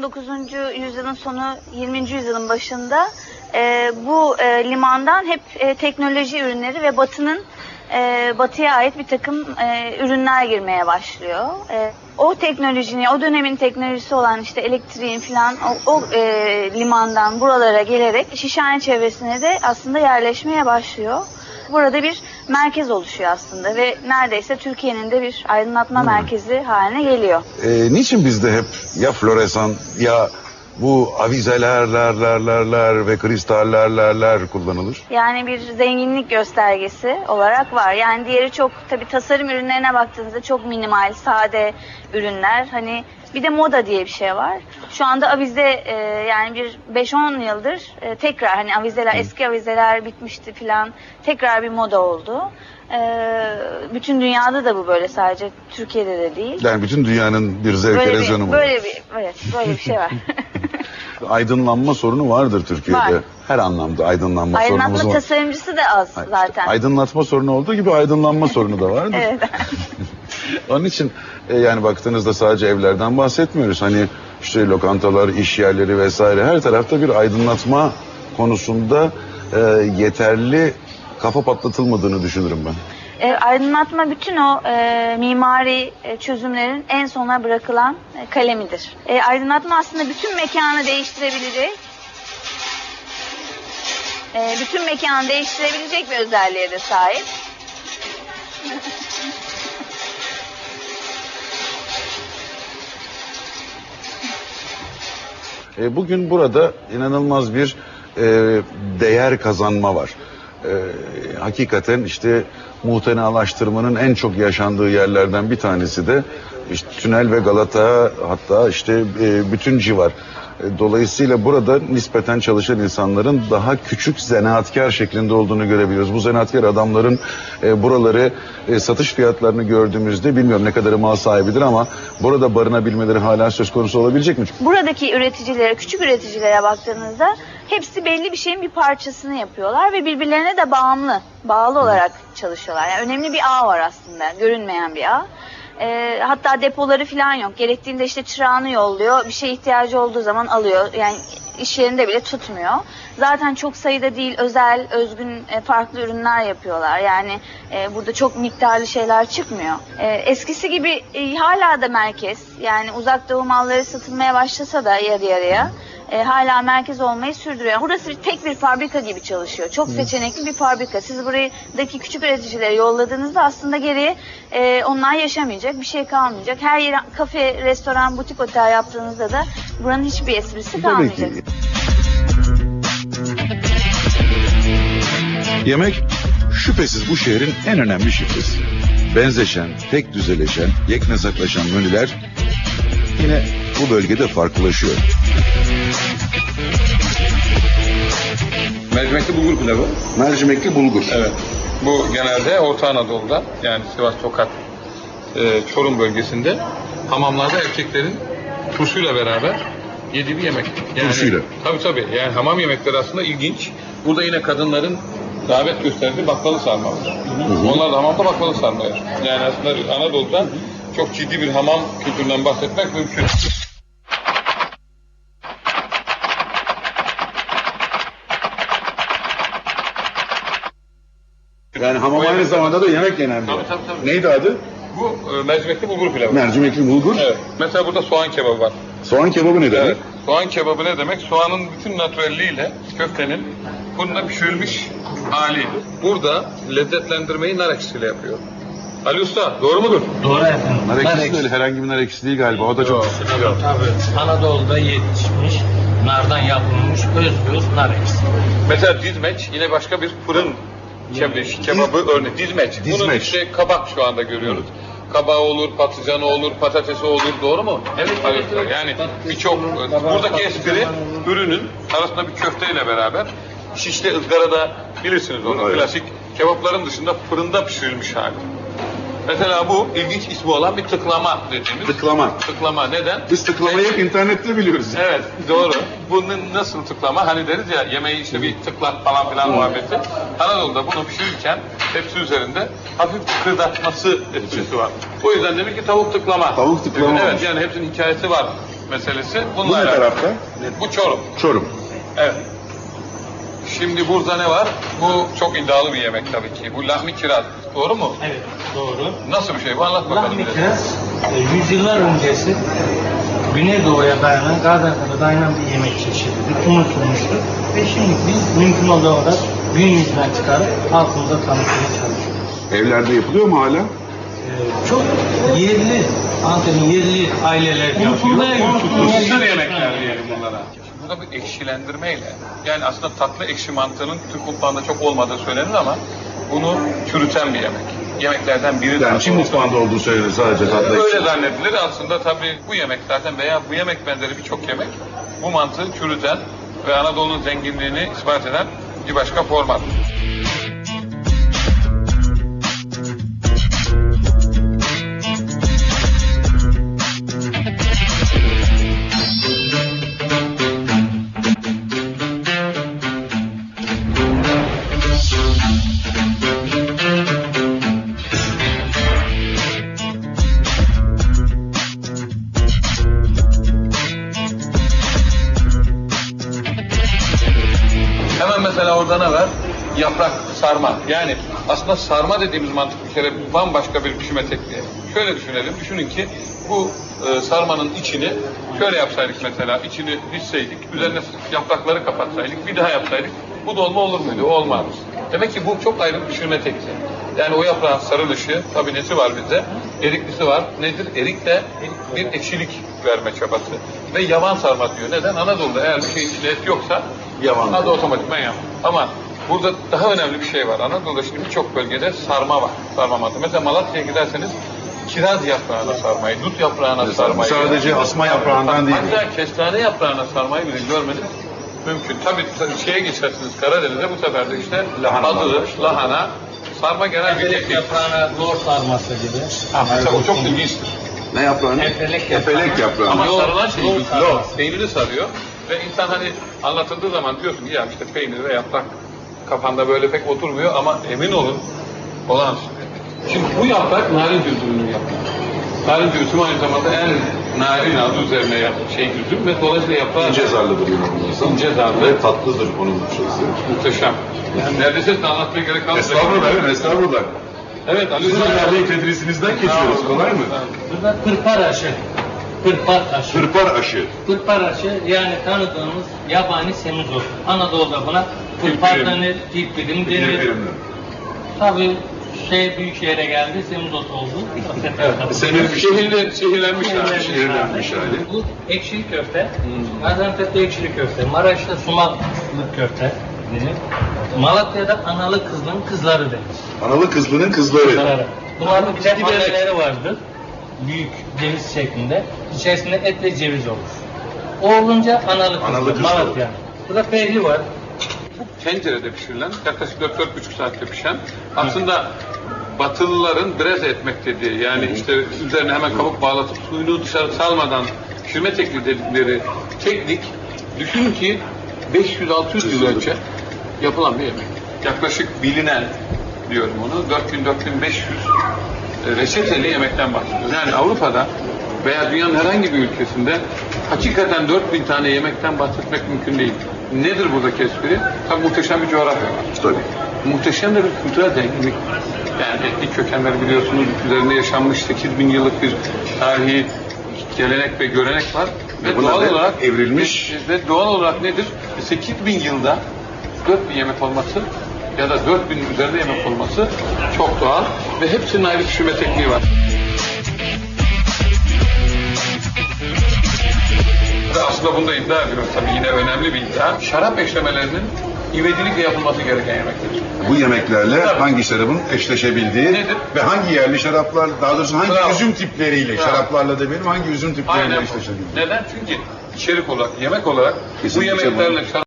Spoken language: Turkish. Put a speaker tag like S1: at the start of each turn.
S1: 19. yüzyılın sonu, 20. yüzyılın başında bu limandan hep teknoloji ürünleri ve batıya ait bir takım ürünler girmeye başlıyor. O teknolojinin, o dönemin teknolojisi olan işte elektriğin falan o limandan buralara gelerek Şişhane çevresine de aslında yerleşmeye başlıyor. Burada bir merkez oluşuyor aslında ve neredeyse Türkiye'nin de bir aydınlatma merkezi haline geliyor.
S2: Niçin bizde hep ya floresan ya bu avizeler ve kristallerler kullanılır?
S1: Yani bir zenginlik göstergesi olarak var. Yani diğeri çok, tabii tasarım ürünlerine baktığınızda çok minimal, sade ürünler. Hani bir de moda diye bir şey var. Şu anda avize yani bir 5-10 yıldır tekrar hani avizeler, eski avizeler bitmişti falan, tekrar bir moda oldu. Bütün dünyada da bu böyle, sadece Türkiye'de de değil.
S2: Yani bütün dünyanın bir zevk erozyonu mu?
S1: Böyle bir şey var.
S2: Aydınlanma sorunu vardır Türkiye'de.
S1: Var.
S2: Her anlamda aydınlanma sorunumuz var.
S1: Aydınlatma tasarımcısı da az zaten.
S2: İşte aydınlatma sorunu olduğu gibi aydınlanma sorunu da vardır.
S1: Evet.
S2: Onun için yani baktığınızda sadece evlerden bahsetmiyoruz. Hani işte lokantalar, iş yerleri vesaire, her tarafta bir aydınlatma konusunda yeterli kafa patlatılmadığını düşünürüm ben.
S1: Aydınlatma bütün o mimari çözümlerin en sona bırakılan kalemidir. Aydınlatma aslında bütün mekanı değiştirebilecek, bir özelliğe de sahip.
S2: Bugün burada inanılmaz bir değer kazanma var. Hakikaten işte muhtenalaştırmanın en çok yaşandığı yerlerden bir tanesi de işte Tünel ve Galata, hatta işte bütün civar. Dolayısıyla burada nispeten çalışan insanların daha küçük zanaatkar şeklinde olduğunu görebiliyoruz. Bu zanaatkar adamların buraları satış fiyatlarını gördüğümüzde, bilmiyorum ne kadarı mal sahibidir ama burada barınabilmeleri hala söz konusu olabilecek mi?
S1: Buradaki üreticilere, küçük üreticilere baktığınızda hepsi belli bir şeyin bir parçasını yapıyorlar ve birbirlerine de bağlı olarak çalışıyorlar. Yani önemli bir ağ var aslında, görünmeyen bir ağ. Hatta depoları falan yok. Gerektiğinde işte çırağını yolluyor. Bir şeye ihtiyacı olduğu zaman alıyor. Yani iş yerinde bile tutmuyor. Zaten çok sayıda değil, özel, özgün farklı ürünler yapıyorlar. Yani burada çok miktarlı şeyler çıkmıyor. Eskisi gibi hala da merkez. Yani Uzak Doğu malları satılmaya başlasa da yarı yarıya hala merkez olmayı sürdürüyor. Burası tek bir fabrika gibi çalışıyor. Çok seçenekli bir fabrika. Siz buradaki küçük üreticilere yolladığınızda aslında geriye onlar yaşamayacak, bir şey kalmayacak. Her yere kafe, restoran, butik otel yaptığınızda da buranın hiçbir esprisi kalmayacak.
S2: Yemek şüphesiz bu şehrin en önemli şifresi. Benzeşen, tek düzeleşen, yeknesaklaşan menüler yine bu bölgede farklılaşıyor.
S3: Mercimekli bulgur pilavı.
S2: Mercimekli bulgur.
S3: Evet. Bu genelde Orta Anadolu'da, yani Sivas, Tokat, Çorum bölgesinde hamamlarda erkeklerin turşuyla beraber yediği bir yemek. Yani,
S2: turşuyla?
S3: Tabii. Yani hamam yemekleri aslında ilginç. Burada yine kadınların davet gösterdiği baklalı sarma var. Onlar da hamamda baklalı sarma yer. Yani aslında Anadolu'da çok ciddi bir hamam kültüründen bahsetmek mümkün.
S2: Yani hamam aynı zamanda da yemek yenen bir yer.
S3: Tabii.
S2: Neydi adı?
S3: Bu mercimekli bulgur pilavı.
S2: Mercimekli bulgur.
S3: Evet. Mesela burada soğan kebabı var.
S2: Soğan kebabı ne demek?
S3: Evet. Soğan kebabı ne demek? Soğanın bütün natürelliğiyle köftenin fırında pişirilmiş hali. Burada lezzetlendirmeyi nar ekşisiyle yapıyor. Ali Usta, doğru mudur?
S4: Doğru efendim.
S2: Nar ekşisi değil, herhangi bir nar ekşisi değil galiba. O da çok...
S4: Tabii. Anadolu'da yetişmiş, nardan yapılmış özgür nar ekşisi.
S3: Mesela dizmeç yine başka bir fırın kebabı örneği. Dizmeç. Bunun işte kabak şu anda görüyoruz. Kabağı olur, patlıcanı olur, patatesi olur, doğru mu?
S4: Evet.
S3: Yani birçok, buradaki espri ürünün arasında bir köfteyle beraber şişte ızgarada, bilirsiniz onu,
S2: evet.
S3: Klasik kebapların dışında fırında pişirilmiş hali. Mesela bu ilginç ismi olan bir tıklama dediğimiz. Tıklama. Neden?
S2: Biz tıklamayı hep internette biliyoruz.
S3: Evet, doğru. Bunun nasıl tıklama? Hani deriz ya, yemeği işte bir tıklat falan filan muhabbeti. Anadolu'da bunu pişirirken tepsi üzerinde hafif kıkırdatması etkisi var. O yüzden demek ki tavuk tıklama.
S2: Tavuk tıklama.
S3: Evet, yani hepsinin hikayesi var. meselesi.
S2: Bu
S3: Bununla
S2: ne
S3: alakalı.
S2: tarafta?
S3: Bu Çorum.
S2: Çorum.
S3: Evet. Şimdi burada ne var? Bu çok iddialı bir yemek tabii ki. Bu lahmi kiraz. Doğru mu?
S4: Evet, doğru.
S3: Nasıl bir şey bu? Anlat bakalım.
S4: Lahmi
S3: bize.
S4: kiraz, yüzyıllar öncesi Güneydoğu'ya dayanan, Gaziantep'e dayanan bir yemek çeşididir. Unutulmuştur. Ve şimdi biz mümkün olduğu kadar gün yüzüne çıkarıp halkımıza tanıtmaya çalışıyoruz.
S2: Evlerde yapılıyor mu hala?
S4: Çok yerli, Antep'in yerli aileler yapıyor.
S3: Mısır yemekler diyelim bunlara. Burada bir ekşilendirmeyle, yani aslında tatlı ekşi mantığının Türk mutfağında çok olmadığı söylenir ama bunu çürüten bir yemek. Yemeklerden biri.
S2: Yani Çin mutfağında olduğu söylenir sadece tatlı.
S3: Öyle zannedilir. Aslında tabii bu yemek zaten veya bu yemek benzeri birçok yemek bu mantığı çürüten ve Anadolu'nun zenginliğini ispat eden bir başka format. Hemen mesela orada ne var? Yaprak sarma. Yani aslında sarma dediğimiz mantık bir kere bambaşka bir pişirme tekniği. Şöyle düşünelim. Düşünün ki bu sarmanın içini şöyle yapsaydık mesela. İçini dizseydik, üzerine yaprakları kapatsaydık, bir daha yapsaydık. Bu dolma olur muydu? Olmaz. Demek ki bu çok ayrı bir pişirme tekniği. Yani o yaprağın sarılışı, tabii nesi var bizde? Eriklisi var. Nedir? Erik de bir ekşilik verme çabası. Ve yavan sarma diyor. Neden? Anadolu'da eğer bir şeyin içinde et yoksa
S2: Yavan.
S3: adı otomatikman yavan. Ama burada daha önemli bir şey var. Anadolu'da şimdi birçok bölgede sarma var. Sarma mantığı. Mesela Malatya'ya giderseniz kiraz yaprağına sarmayı, dut yaprağına sarmayı.
S2: Sadece asma yaprağından değil.
S3: Hatta kestane yaprağına sarmayı bile görmedim. Mümkün. Tabii şeye geçersiniz Karadeniz'de bu sefer de işte
S2: Lahana
S3: adı,
S2: var.
S3: lahana, sarma genel bir
S4: Efelek
S3: teknik.
S4: yaprağına zor sarması gibi.
S3: Mesela o çok ilginçtir.
S2: Ne yaprağını?
S4: Efelek yaprağı.
S2: Efelek yaprağı.
S3: Ama
S4: Lor-
S3: sarılan şey
S4: lor sarması.
S3: lor, peyniri sarıyor ve insan hani anlatıldığı zaman diyorsun ki ya işte peynir ve yaprak kafanda böyle pek oturmuyor ama emin olun olağanüstü. Şimdi bu yaprak narin üzümünün yaprağı. Narin üzüm aynı zamanda en narin adı üzerine üzüm ve dolayısıyla yaprağı
S2: İnce zarlıdır inanılmaz.
S3: İnce zarlı.
S2: Ve tatlıdır onun şeysi.
S3: Muhteşem. Yani neredeyse size anlatmaya gerek kalmayacak.
S2: Estağfurullah.
S3: Evet Ali
S2: Sizin
S3: Rıza.
S2: değerli tedrisinizden geçiyoruz. Kolay mı?
S4: Burada pırpar aşı. Pırpar aşı.
S2: Pırpar aşı.
S4: Pırpar aşı yani tanıdığımız yabani semizot. Anadolu'da buna pırpar
S3: Dilpirim.
S4: denir, dilpirim denir.
S2: Dilpirimli.
S4: Tabii büyük şehre geldi, semizot oldu.
S3: Şehirlenmiş yani.
S2: Şehirlenmiş hali.
S4: Bu ekşili köfte. Gaziantep'te ekşili köfte. Maraş'ta sumaklı köfte denir. Malatya'da analı kızlının kızları denir.
S2: Analı kızlının kızları.
S4: Bunların bir de anneleri vardır. Büyük ceviz şeklinde. İçerisinde et ve ceviz olur. O olunca analı kızlı.
S2: Analı kızlı.
S4: Malatya. Burada pehli var.
S3: Tencerede pişirilen, yaklaşık 4-4,5 saatte pişen, aslında Batılıların breze etmek dediği, yani işte üzerine hemen kabuk bağlatıp suyunu dışarı salmadan pişirme tekniği dedikleri teknik, düşünün ki 500-600 yıl önce yapılan bir yemek. Yaklaşık bilinen, diyorum onu, 4000-4500 reçeteli yemekten bahsediyoruz. Yani Avrupa'da veya dünyanın herhangi bir ülkesinde hakikaten 4000 tane yemekten bahsetmek mümkün değil. Nedir buradaki espri? Tabii muhteşem bir coğrafya var.
S2: Tabii.
S3: Muhteşem de bir kültürel zenginlik. Yani etnik kökenler biliyorsunuz, üzerinde yaşanmış 8000 yıllık bir tarihi gelenek ve görenek var. Ve
S2: Buna
S3: doğal
S2: da
S3: olarak
S2: evrilmiş.
S3: ve doğal olarak nedir? 8000 yılda 4000 yemek olması ya da 4000 üzerinde yemek olması çok doğal ve hepsinin ayrı pişirme tekniği var. Ve aslında bunu da iddia ediyorum tabii, yine önemli bir iddia. Şarap eşlemelerinin ivedilikle yapılması gereken yemekler.
S2: Bu yemeklerle
S3: Tabii.
S2: hangi şarabın eşleşebildiği
S3: Nedir?
S2: ve hangi yerli şaraplar, daha doğrusu hangi
S3: Bravo.
S2: üzüm tipleriyle,
S3: Bravo.
S2: şaraplarla demeyelim, hangi üzüm tipleriyle
S3: Aynen bu.
S2: eşleşebildiği.
S3: Neden? Çünkü içerik olarak, yemek olarak bu
S2: Kesinlikle
S3: yemeklerle şarap